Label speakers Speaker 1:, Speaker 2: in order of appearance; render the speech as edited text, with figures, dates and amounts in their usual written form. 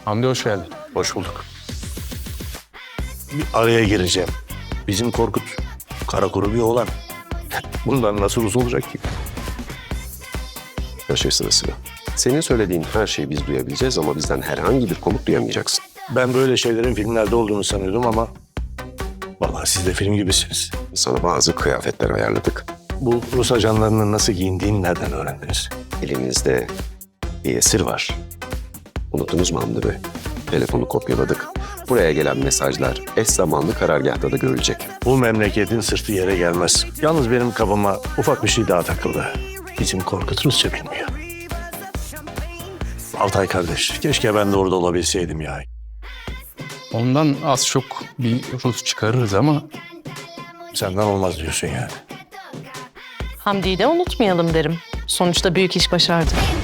Speaker 1: Hamdi hoş geldin.
Speaker 2: Hoş bulduk. Bir araya gireceğim. Bizim Korkut kara kuru bir oğlan. Bundan nasıl uzun olacak ki?
Speaker 3: Her şey sırasıyla. Senin söylediğin her şeyi biz duyabileceğiz ama bizden herhangi bir komut duyamayacaksın.
Speaker 2: Ben böyle şeylerin filmlerde olduğunu sanıyordum ama vallahi siz de film gibisiniz.
Speaker 3: Sana bazı kıyafetler ayarladık.
Speaker 2: Bu Rus ajanlarının nasıl giyindiğini nereden öğrendiniz?
Speaker 3: Elimizde bir esir var. Unuttunuz mu Hamdi Bey? Telefonu kopyaladık. Buraya gelen mesajlar eş zamanlı karargâhta da görülecek.
Speaker 2: Bu memleketin sırtı yere gelmez. Yalnız benim kafama ufak bir şey daha takıldı. Bizim Korkut Rusça bilmiyor. Altay kardeş, keşke ben de orada olabilseydim ya.
Speaker 1: Ondan az çok bir Rus çıkarırız ama
Speaker 2: Senden olmaz diyorsun yani.
Speaker 4: Hamdi'yi de unutmayalım derim. Sonuçta büyük iş başardı.